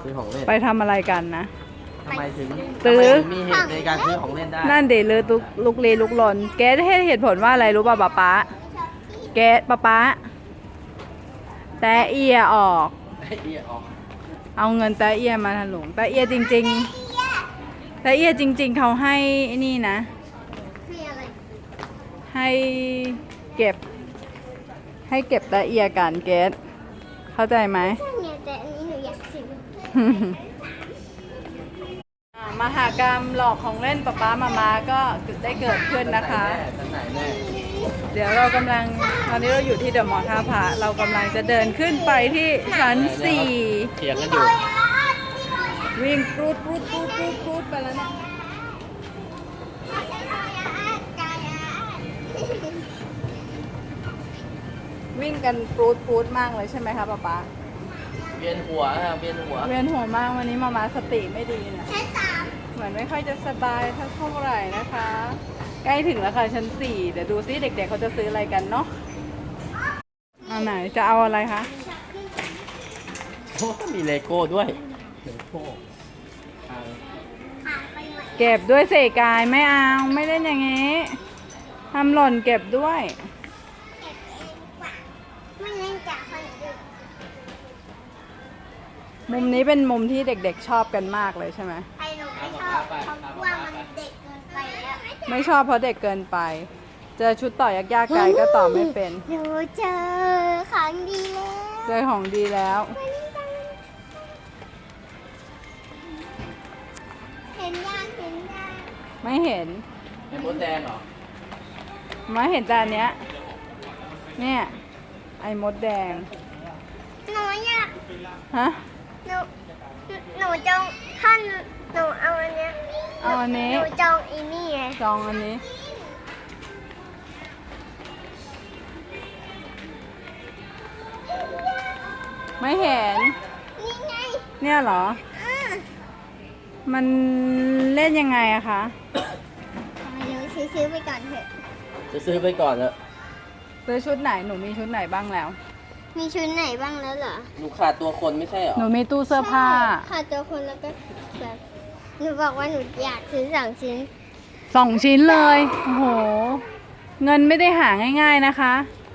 ซื้อของเล่นไปทำอะไรกันนะทำไมถึงมีเหตุในการซื้อของเล่นได้นั่นเดเลยลุกลีลุกลนแกให้เหตุผลว่าอะไรรู้ป่ะป๊าแกป๊าแต่เอียออกเอาเงินแต่เอียมาถลุงแต่เอียจริงๆแต่เอียจริงๆเขาให้นี่นะให้เก็บแต่เอียกันเกสเข้าใจไหมแต่อันนี้หนูอยากซื้อมหากรรมหลอกของเล่นป๊ามาก็ได้เกิดขึ้นนะคะเดี๋ยวเรากำลังตอนนี้เราอยู่ที่เดอะมอลล์ท่าพระเรากำลังจะเดินขึ้นไปที่ชั้น4 เถียงกันอยู่วิ่งปรูดไปแล้วนะวิ่งกันปรูดมากเลยใช่ไหมคะป๊าเวียนหัวเวียนหัวมากวันนี้มาสติไม่ดีนะเหมือนไม่ค่อยจะสบายเท่าไหร่นะคะใกล้ถึงแล้วค่ะชั้น4เดี๋ยวดูซิเด็กๆเขาจะซื้ออะไรกันเนาะเอาไหนจะเอาอะไรคะโอ้มีเลโก้ด้วยเลโก้เก็บด้วยเสกายไม่เอาไม่เล่นอย่างงี้ทำหล่นเก็บด้วยไม่เล่นจากคนอื่นมุมนี้เป็นมุมที่เด็กๆชอบกันมากเลยใช่ไหมไอ้หนูไม่ชอบเพราะว่ามันเด็กเกินไปแล้วไม่ชอบเพราะเด็กเกินไปเจอชุดต่อยากๆไกลก็ต่อไม่เป็นหนูเจอของดีแล้วเจอของดีแล้วเห็นยังไม่เห็นไอ้มดแดงเหรอไม่เห็นแต่อันเนี้ยเนี่ยไอ้มดแดงหนูอยากฮะหนูจองท่านหนูเอาอันเนี้ยเอาอันนี้หนูจองอีนี่ไงจองอันนี้ไม่เห็นนี่ไงเนี่ยเหรอมันเล่นยังไงอะคะหนูซื้อไปก่อนเถอะจะซื้อไปก่อนเถอะซื้อชุดไหนหนูมีชุดไหนบ้างแล้วมีชุดไหนบ้างแล้วเหรอหนูขาดตัวคนไม่ใช่เหรอหนูมีตู้เสื้อผ้าขาดตัวคนแล้วก็แบบหนูบอกว่าหนูอยากซื้อ2 ชิ้น 2 ชิ้นเลยโอ้โหเงินไม่ได้หาง่ายๆนะคะ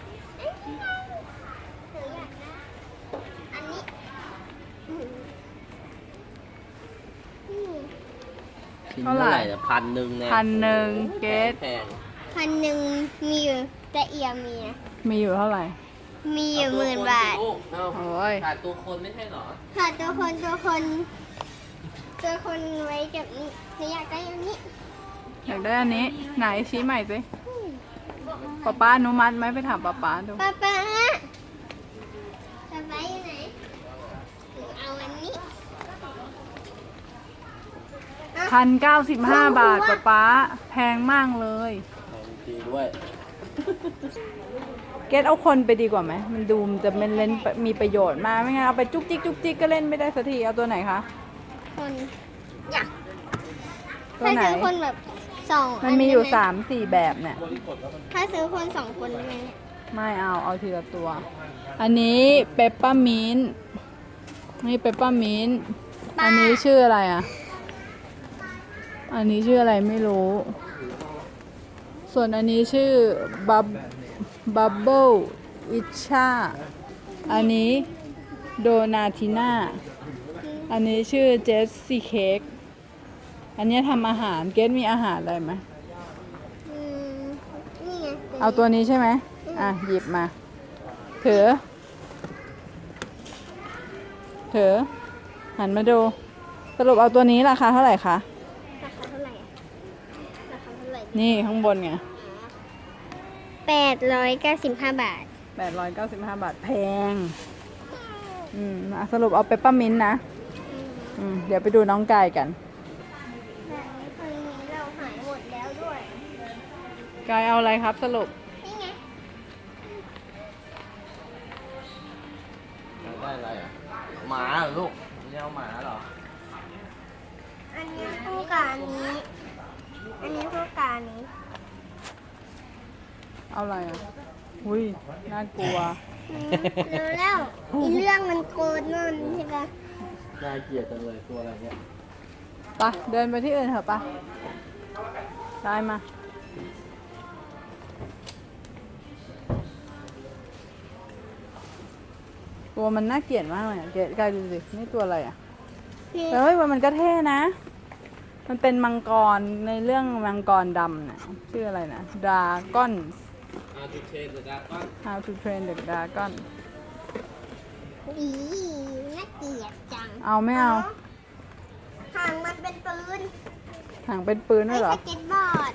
เท่าไหร่1,000เนี่ย 1,000เกส 1,000มีอยู่แต่เอียมีอยู่เท่าไหร่มีอยู่10,000 บาทโอ้ยขาดตัวคนไม่ใช่หรอขาดตัวคนไว้กับนี้หนูอยากได้อันนี้อยากได้อันนี้ไหนชี้ใหม่สิป๊าอนุมัติไหมไปถามป๊าดูป๊าอยู่ไหนหนูเอาอันนี้ 1,095 บาทป๊าแพงมากเลยดีด้วยเกตเอาคนไปดีกว่าไหมมันดูมันจะเล่นมีประโยชน์มากไม่งั้นเอาไปจุกจิกก็เล่นไม่ได้สักทีเอาตัวไหนคะคนอยากถ้าซื้อคนแบบ2 มันมีอยู่3-4แบบเนี่ยถ้าซื้อคน2 คนได้ไหมเนี่ยไม่เอาทีละตัวอันนี้เปปเปอร์มินต์นี่เปปเปอร์มินต์อันนี้ชื่ออะไรอ่ะอันนี้ชื่ออะไรไม่รู้ส่วนอันนี้ชื่อบับเบิลอิชาอันนี้โดนาติน่าอันนี้ชื่อเจสซี่เค้กอันนี้ทำอาหารเกสมีอาหารอะไรไหมนี่ไงเอาตัวนี้ใช่ไหมหยิบมาถือหันมาดูสรุปเอาตัวนี้ราคาเท่าไหร่คะนี่ข้างบนไง 895 บาท 895 บาทแพงสรุปเอาเปปเปอร์มินต์นะเดี๋ยวไปดูน้องกายกันเราหายหมดแล้วด้วยกายเอาอะไรครับสรุปนี่ไงได้อะไรอ่ะหมาเหรอลูกไม่เอาหมาเหรออันนี้คู่กับอันนี้คู่กับอันนี้เอาอะไรอ่ะอุ้ยน่ากลัวรู้แล้วอีเรื่องมันโกรธนั่นใช่ปะน่าเกลียดจังเลยตัวอะไรเนี่ยไปเดินไปที่อื่นเถอะปะได้มา ตัวมันน่าเกลียดมากเลยอะเกลียดกายดูสินี่ตัวอะไรอ่ะพี่แต่เฮ้ยมันก็เท่นะ มันเป็นมังกรในเรื่องมังกรดำน่ะชื่ออะไรนะ Dragon How to Train the Dragon อีน่าเกลียดจังเอาไม่เอาหางมันเป็นปืนหางเป็นปืนด้วยเหรอสเก็ตบอร์ด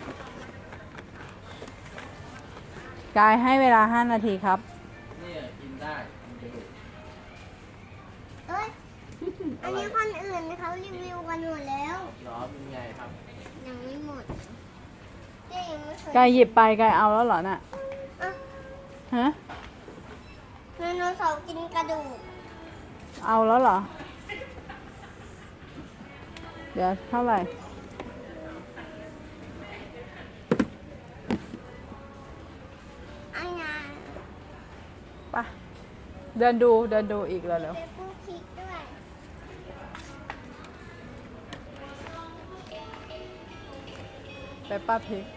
กายให้เวลา 5 นาทีครับเนี่ยกินได้มันจะดุเอ้ย อันนี้คนอื่นเขารีวิวกันหมดแล้วหรอเป็นไงครับยังไม่หมดเจ๊ยังไม่เคยกายหยิบไปกายเอาแล้วเหรอน่ะอ่ะฮะไดโนเสาร์กินกระดูกเอาแล้วเหรอ เดี๋ยวเท่าไหร่อันนั้นไปเดินดูอีกแล้วเร็วเป็นผู้คิดด้วยไปป้าพริก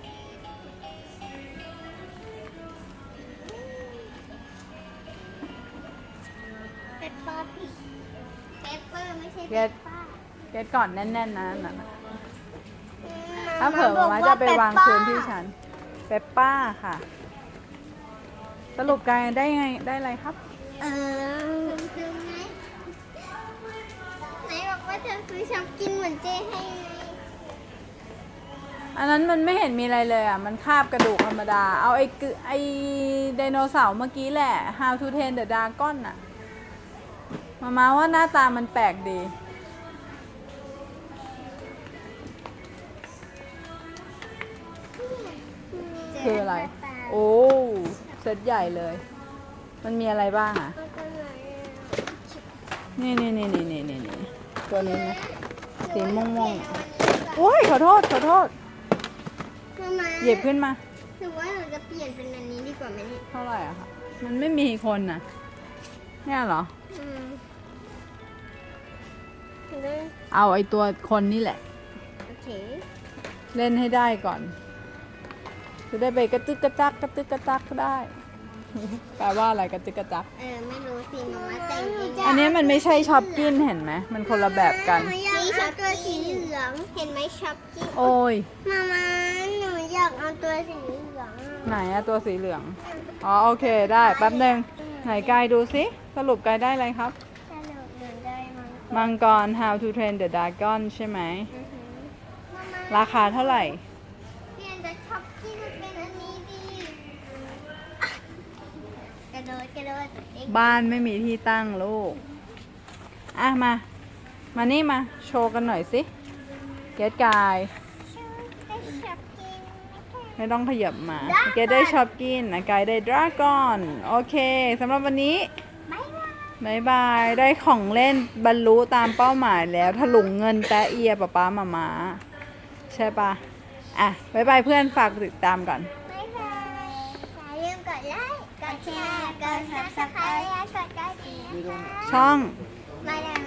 เปปเปอร์พิกเปปเปอร์ไม่ใช่เก็เปตปเปอร์เก็ตก่อนแน่นๆนะนั่นน่ะมถ้าเผื่อบอกมาว่จะไปวางเปปเปอร์คืนที่ฉันเปปป้าค่ะ สรุปกายได้ไงได้อะไรครับซื้อไหมไหนบอกว่าเธอซื้อช็อปกินเหมือนเจ๊ให้ไงอันนั้นมันไม่เห็นมีอะไรเลยอ่ะ มันคาบกระดูกธรรมดา เอาไอไดโนเสาร์เมื่อกี้แหละ How to Train the Dragon น่ะ มาว่าหน้าตามันแปลกดี คืออะไร โอ้ เซตใหญ่เลย มันมีอะไรบ้างอ่ะ นี่ตัวนี้นะ สีม่วงๆ โอ้ยขอโทษมาหยิบขึ้นมาหรือว่าหนูจะเปลี่ยนเป็นอันนี้ดีกว่าไหมเนี่ยเท่าไหร่อะคะ มันไม่มีคนน่ะ เนี่ยเหรออืมได้เอาไอตัวคนนี่แหละโอเคเล่นให้ได้ก่อน จะได้ไปกระตึกกระจักก็ได้ แปลว่าอะไรกระตึกกระจักไม่รู้สิหนูมาแต่งเองอันนี้มันไม่ใช่ช็อปกินเห็นไหม มันคนละแบบกันนี่ช็อปตัวสีเหลือง เห็นไหมช็อปกินโอ้ยมาหนูอยากเอาตัวสีเหลืองไหนอะตัวสีเหลือง อ๋อโอเคได้แป๊บหนึ่งไหนกายดูสิ สรุปกายได้อะไรครับถ้าหนูเดินได้มั้งมังกร How to Train the Dragon ใช่ไหมมาราคาเท่าไหร่เปลี่ยนจากช็อปกินเป็นอันนี้ดีกระโดดเอ็กซ์บ้านไม่มีที่ตั้งลูก อ่ะมานี่มา โชว์กันหน่อยสิ เกตกายได้ช็อปกินไม่ต้องขยับมา เกตได้ช็อปกินนะกายได้ดราก้อน โอเคสำหรับวันนี้บ๊ายบายบายบาย ได้ของเล่นบรรลุตามเป้าหมายแล้วถลุงเงินแตะเอียป๊ามาใช่ปะอ่ะบายบายเพื่อนฝากติดตามก่อนบ๊ายบายอย่าลืมกดไลค์ กดแชร์ กด subscribe และกดกระดิ่งนะคะช่องมาดาม